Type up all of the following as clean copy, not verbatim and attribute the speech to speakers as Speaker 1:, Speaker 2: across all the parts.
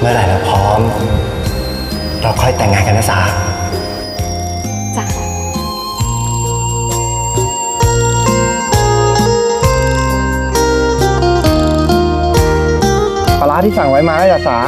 Speaker 1: มื่อไหร่เราพร้อมเราค่อยแต่งงานกันนะสา
Speaker 2: จ้ะ
Speaker 1: ปลาร้าที่สั่งไว้มาแล้วจ้ะสา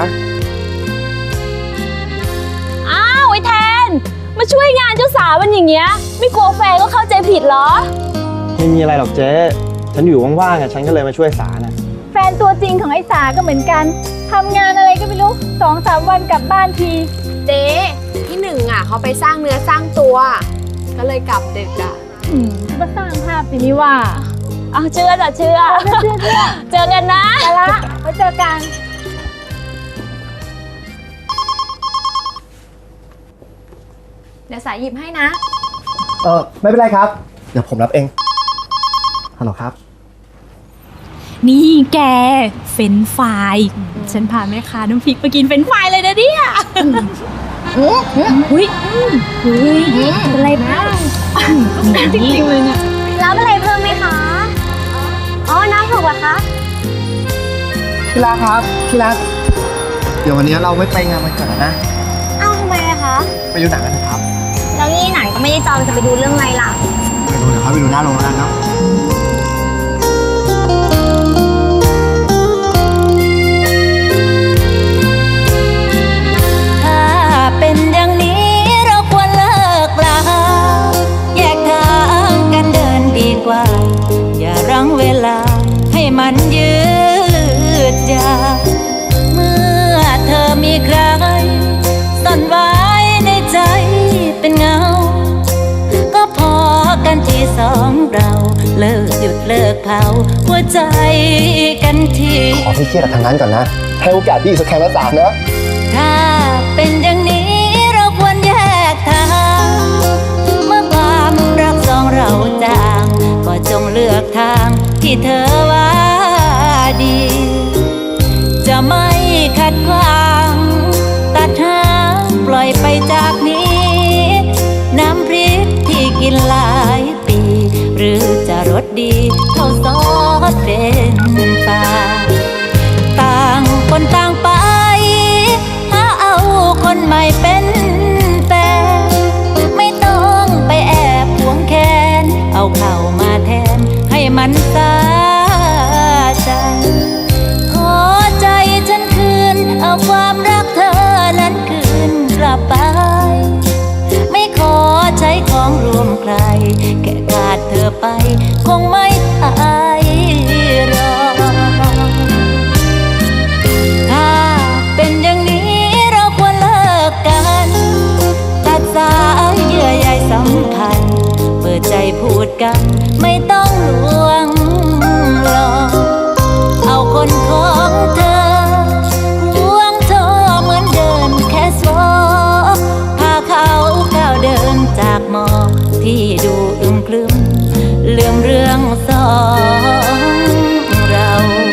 Speaker 2: อ้าวไอ้แทนมาช่วยงานเจ้าสาวมันอย่างเงี้ยไม่กลัวแฟนก็เข้าใจผิดเหรอ
Speaker 1: ไม่มีอะไรหรอกเจ๊ฉันอยู่ว่างๆฉันก็เลยมาช่วยสานะ
Speaker 3: แฟนตัวจริงของไอ้สาก็เหมือนกันทำงานอะไรก็ไม่รู้2-3 วันกลับบ้านที
Speaker 4: เจ๊พี่หนึ่งอ่ะเขาไปสร้างเนื้อสร้างตัวก็เลยกลับดึกอ่ะ
Speaker 3: มาสร้างภาพสินี่ว่า
Speaker 2: เอาเชื่อจ้ะเชื่อเจอกันนะ
Speaker 3: ไปละไว้เจอกัน
Speaker 4: เดี๋ยวสายหยิบให้นะ
Speaker 1: ไม่เป็นไรครับเดี๋ยวผมรับเองฮัลโหลครับ
Speaker 5: นี่แกเฟรนช์ฟรายฉันพาแม่ค้าน้ำพริกไปกินเฟรนช์ฟรายเลยนะเนี่ยอุ้ยเป็นไรบ้างจริงๆเลยเนี่ย
Speaker 3: รับอะไรเพิ่มไหมคะอ๋อน้ำถูกเหรอคะ
Speaker 1: พี่รักครับพี่รักเดี๋ยววันนี้เราไม่ไปงานวันเกิดแล้วนะ
Speaker 3: อ้าวทำไมอะคะ
Speaker 1: ไปดูหนังกันนะครับ
Speaker 3: แล้วนี่หนังก็ไม่ได้จองจะไปดูเรื่องอะไรล่ะ
Speaker 1: ไปดูเดี๋ยวเขาไปดูหน้าโรงแล้วกันเนาะ
Speaker 6: เป็นอย่างนี้เราควรเลิกลาแยกทางกันเดินดีกว่าอย่ารั้งเวลาให้มันยืดยาวเมื่อเธอมีใครซ่อนไว้ในใจเป็นเงาก็พอกันที่สองเราเลิกหยุดเลิกเผาหัวใจกันที
Speaker 1: ขอพี่เครียดกับทางนั้นก่อนนะให้โอกาสพี่สักแค่ละ3นะ
Speaker 6: ถ้าเป็นอย่างนี้เราควรแยกทางเมื่อความรักสองเราจางก็จงเลือกทางที่เธอว่าดีจะไม่ขัดขวางตัดหางปล่อยไปจากนี้น้ำพริกที่กินหลายปีหรือจะรสดีเท่าซอสเป็นปลาต่างคนต่างไปคนใหม่เป็นแฟนไม่ต้องไปแอบหวงแค้นเอาเข้ามาแทนให้มันสาใจขอใจฉันคืนเอาความรักเธอนั้นคืนกลับไปไม่ขอใช้ของรวมใครแค่ขาดเธอไปคงไม่อายรอถ้าเป็นอย่างนี้ตัดสายเยื่อใยสัมพันธ์เปิดใจพูดกันไม่ต้องลวงหลอกเอาคนของเธอห่วงเธอเหมือนเดินแค่สวอพาเขาก้าวเดินจากหมอกที่ดูอึมครึมลืมเรื่องสองเรา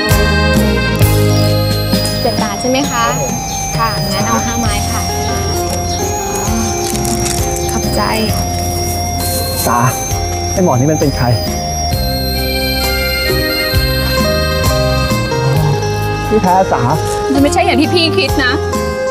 Speaker 4: 7 บาทใช่ไหมคะค่ะงั้นเอา5 ไม้ค่ะขอบใจ
Speaker 1: สาไอ้หมอนี่มันเป็นใครพี่แท้สา
Speaker 5: มันไม่ใช่อย่างที่พี่คิดนะ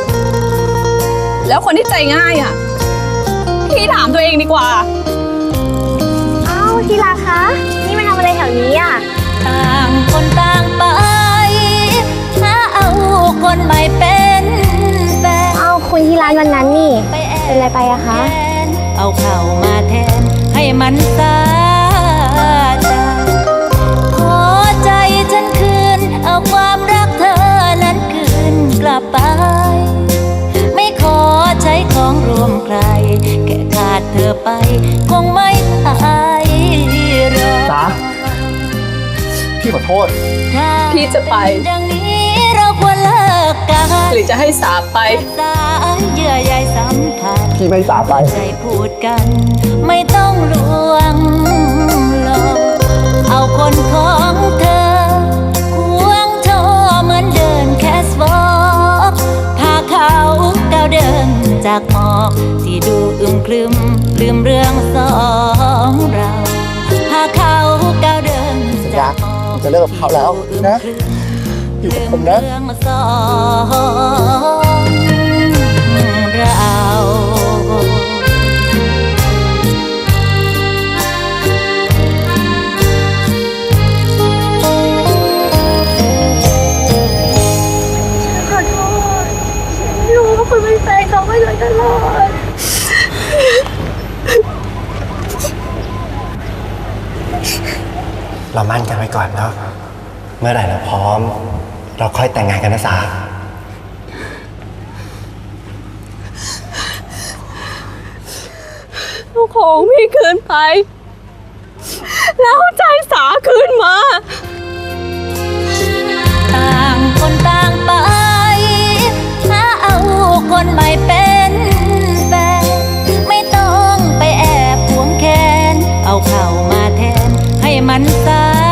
Speaker 5: แล้วคนที่ใจง่ายอ่ะพี่ถามตัวเองดีกว่า
Speaker 3: อ้าวทีละคะนี่มาทำอะไรแถวนี้อ่ะ
Speaker 6: ต่างคนต่างไปถ้าเอาคนใหม่เป็นแฟน
Speaker 3: เอาคุณที่ร้านวันนั้นนี่เป็นอะไรไปอะคะ
Speaker 6: เอาเข้ามาแทนให้มันสาใจขอใจฉันคืนเอาความรักเธอนั้นคืนกลับไปไม่ขอใช้ของรวมใครแค่ขาดเธอไปคงไม่อายรอ
Speaker 1: สาพี่ขอโทษ
Speaker 5: พี่จะไป
Speaker 6: ดังนี้เราควรเลิกกัน
Speaker 5: หรือจะให้สาไป
Speaker 6: สายเยื่อใยสัมพันธ์
Speaker 1: พี่ไม่สาไป
Speaker 6: ใจพูดกันไม่ต้องลวงหลอกเอาคนของเธอห่วงเธอเหมือนเดินแค่สวอปพาเขาก้าวเดินจากหมอกที่ดูอึมครึมลืมเรื่องสองเราพาเขาก้าวเดินจากหมอก
Speaker 1: จะเลิกกับเขาแล้วนะอยู่กับผมนะ
Speaker 6: เรื่องสองเรา
Speaker 1: เรามั่นกันไว้ก่อนเนาะเมื่อไหร่เราพร้อม เราค่อยแต่งงานกันนะสา
Speaker 2: เอาของพี่คืนไป แล้วใจสาคืนมา
Speaker 6: ต่างคนต่างไปหาเอาคนใหม่เป็นแฟนไม่ต้องไปแอบหวงแค้นเอาเข้ามาแทนให้มันสา